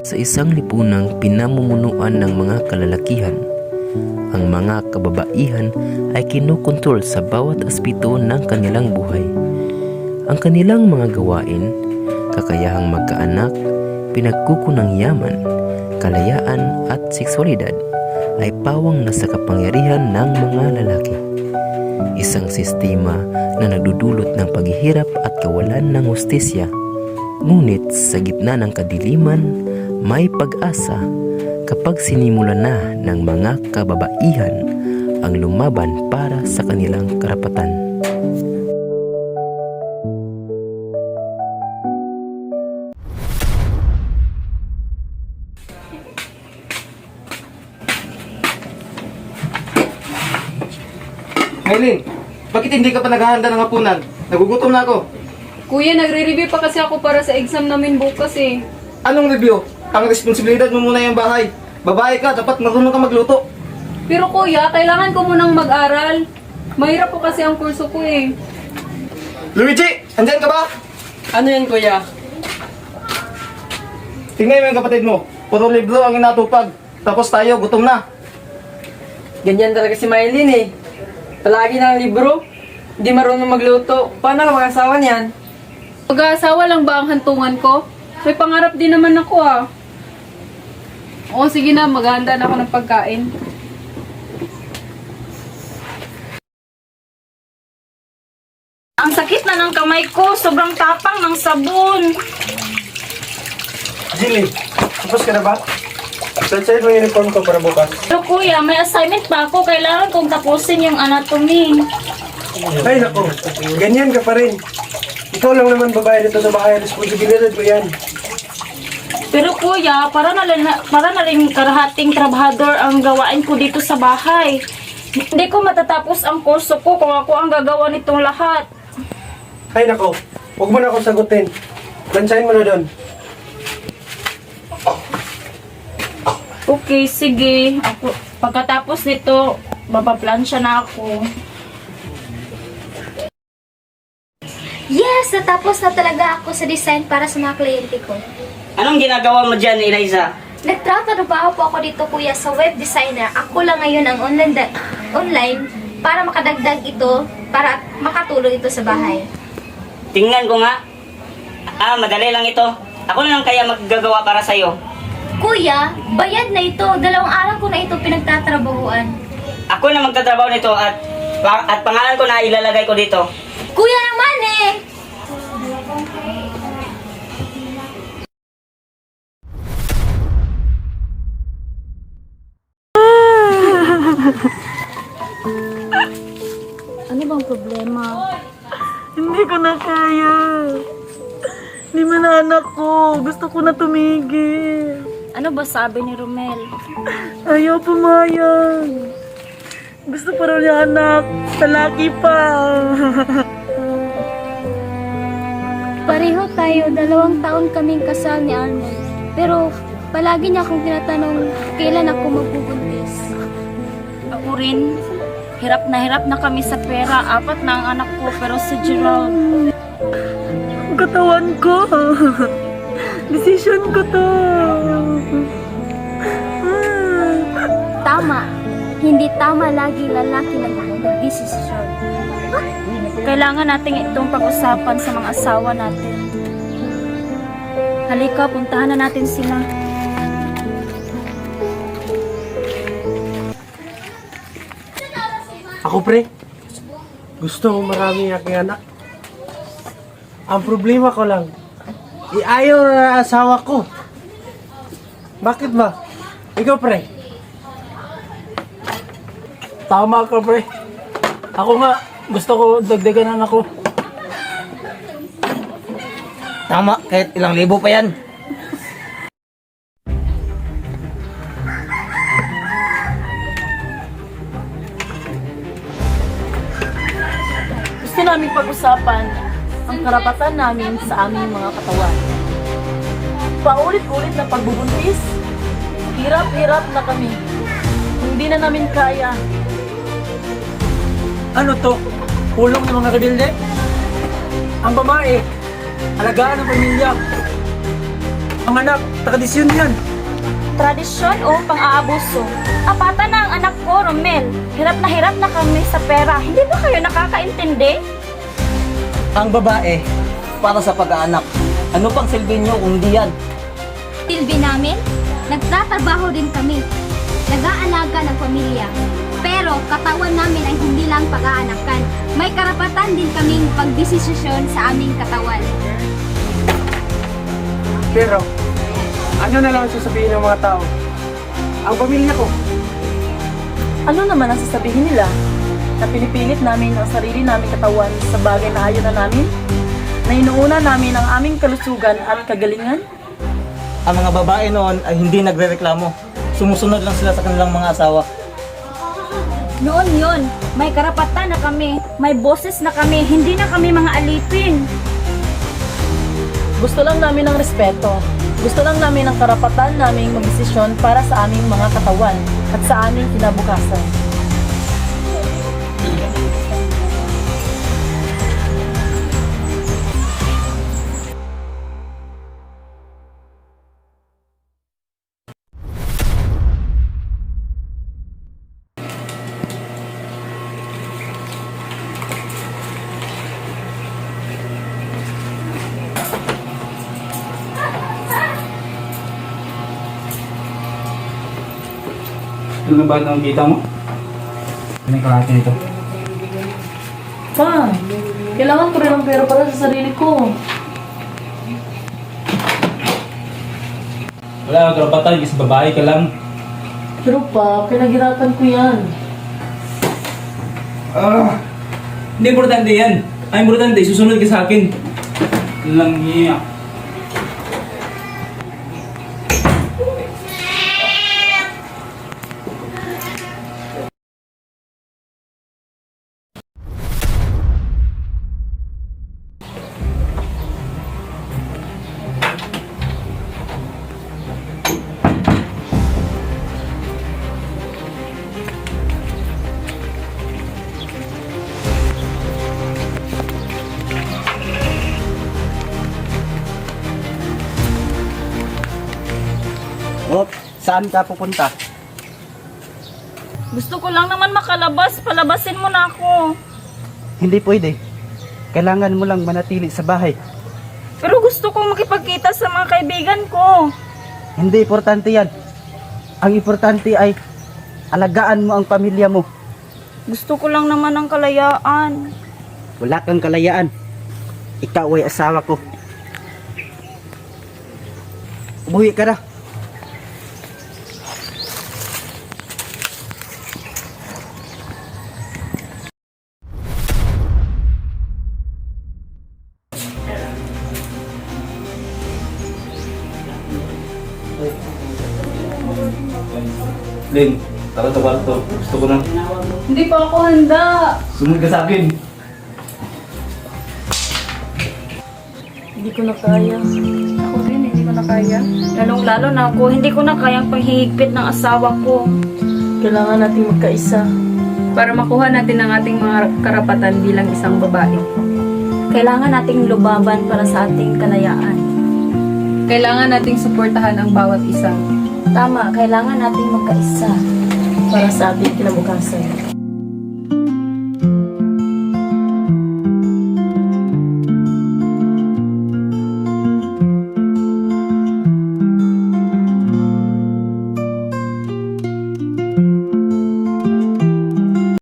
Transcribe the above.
Sa isang lipunang pinamumunuan ng mga kalalakihan, ang mga kababaihan ay kinukontrol sa bawat aspeto ng kanilang buhay. Ang kanilang mga gawain, kakayahang magkaanak, pinagkukunang yaman, kalayaan at seksualidad ay pawang nasa kapangyarihan ng mga lalaki. Isang sistema na nagdudulot ng paghihirap at kawalan ng hustisya. Ngunit sa gitna ng kadiliman, may pag-asa kapag sinimula na ng mga kababaihan ang lumaban para sa kanilang karapatan. Maylin, bakit hindi ka pa naghahanda ng hapunan? Nagugutom na ako. Kuya, nagre-review pa kasi ako para sa exam namin bukas eh. Anong review? Ang responsibilidad mo muna yung bahay. Babae ka, dapat marunong ka magluto. Pero kuya, kailangan ko munang mag-aral. Mahirap po kasi ang kurso ko eh. Luigi, andyan ka ba? Ano yan, kuya? Tingnan mo yung kapatid mo. Puro libro ang inatupag. Tapos tayo, gutom na. Ganyan talaga si Mylene eh. Palagi ng libro. Hindi marunong magluto. Paano ka mag-asawa niyan? Mag-aasawa lang ba ang hantungan ko? May pangarap din naman ako ah. Oo, sige na, maghahanda na ako ng pagkain. Ang sakit na ng kamay ko, sobrang tapang ng sabon. Jilly, tapos ka na ba? Set mo yung uniform ko para bukas. Pero kuya, may assignment pa ako. Kailangan kong tapusin yung anatomy. Ay nako, ganyan ka pa rin. Ikaw lang naman babae dito sa bahay. Responsibilidad ko yan. Pero kuya, para na rin karahating trabahador ang gawain ko dito sa bahay. Hindi ko matatapos ang kurso ko kung ako ang gagawa nitong lahat. Ay nako, huwag mo na akong sagutin. Lansahin mo na doon. Okay, sige. Ako, pagkatapos nito, mapaplansya na ako. Yes! Natapos na talaga ako sa design para sa mga kliyente ko. Anong ginagawa mo dyan, Eliza? Nagtrabaho po ako dito kuya sa web designer. Ako lang ngayon ang online para makadagdag ito, para makatulong ito sa bahay. Tingnan ko nga. Madali lang ito. Ako na lang kaya maggagawa para sa'yo. Kuya, bayad na ito. 2 araw ko na ito pinagtatrabahuan. Ako na magtatrabaho nito at pangalan ko na ilalagay ko dito. Kuya naman eh! Ano bang problema? Hindi ko na kaya. Hindi man anak ko. Gusto ko na tumigil. Ano ba sabi ni Romel? Ayaw pumayag. Gusto pa raw niya anak. Talaki pa. Pareho tayo. 2 taon kaming kasal ni Arnold. Pero palagi niya akong tinatanong kailan ako magbubuntis. Ako rin. Hirap na kami sa pera. 4 na ang anak ko, pero si Gerald. Ang katawan ko. Decision ko to. Tama. Hindi tama lagi lalaki nag-desisyon. Kailangan natin itong pag-usapan sa mga asawa natin. Halika, puntahan na natin sila. Ako pre, gusto ko marami aking anak. Ang problema ko lang, iayaw na asawa ko. Bakit ba? Ikaw pre. Tama ka, pre. Ako nga, gusto ko dagdagan anak ko. Tama, kahit ilang libo pa yan. Gusto namin pag-usapan ang karapatan namin sa aming mga katawan. Paulit-ulit na pagbubuntis. Hirap-hirap na kami. Hindi na namin kaya. Ano to? Pulong ng mga rebelde? Ang babae, alagaan ng pamilya. Ang anak, tradisyon yan. Tradisyon o pang-aabuso? Apata na ang anak ko, Romel. Hirap na kami sa pera. Hindi ba kayo nakakaintindi? Ang babae, para sa pag-aanak. Ano pang silbi nyo kung di yan? Silbi namin, nagtatrabaho din kami. Nag-aalaga ng pamilya. Pero katawan namin ay hindi lang pag-aanakan. May karapatan din kaming pagdesisyon sa aming katawan. Pero, ano na lang ang sasabihin ng mga tao? Ang pamilya ko. Ano naman ang sasabihin nila? Na pinipilit namin ang sarili naming katawan sa bagay na ayaw na namin? Na inuuna namin ang aming kalusugan at kagalingan? Ang mga babae noon ay hindi nagrereklamo. Sumusunod lang sila sa kanilang mga asawa. Noon yun, may karapatan na kami. May boses na kami. Hindi na kami mga alipin. Gusto lang namin ng respeto. Gusto lang namin ang karapatan naming magdesisyon para sa aming mga katawan at sa aming kinabukasan. Ano na ba ang kita mo? Ano yung kalahati nito? Pa, kailangan ko rin ng pera para sa sarili ko. Wala kang karapatan, kasi babae ka lang. Pero pa, pinaghirapan ko yan. Hindi importante yan. Ang importante, susunod ka sa akin. Lang niya. Oh, saan ka pupunta? Gusto ko lang naman makalabas. Palabasin mo na ako. Hindi pwede. Kailangan mo lang manatili sa bahay. Pero gusto ko makipagkita sa mga kaibigan ko. Hindi importante yan. Ang importante ay alagaan mo ang pamilya mo. Gusto ko lang naman ng kalayaan. Wala kang kalayaan. Ikaw ay asawa ko. Umuwi ka na. Ling, tara sa kwarto. Gusto ko na. Hindi pa ako handa. Sumunod ka sa akin. Hindi ko na kaya. Ako din, hindi ko na kaya. Lalong-lalo na ako, hindi ko na kayang panghihigpit ng asawa ko. Kailangan nating magkaisa. Para makuha natin ang ating mga karapatan bilang isang babae. Kailangan nating lubaban para sa ating kalayaan. Kailangan nating suportahan ang bawat isa. Tama, kailangan nating magkaisa. Para sa ating kinabukasan.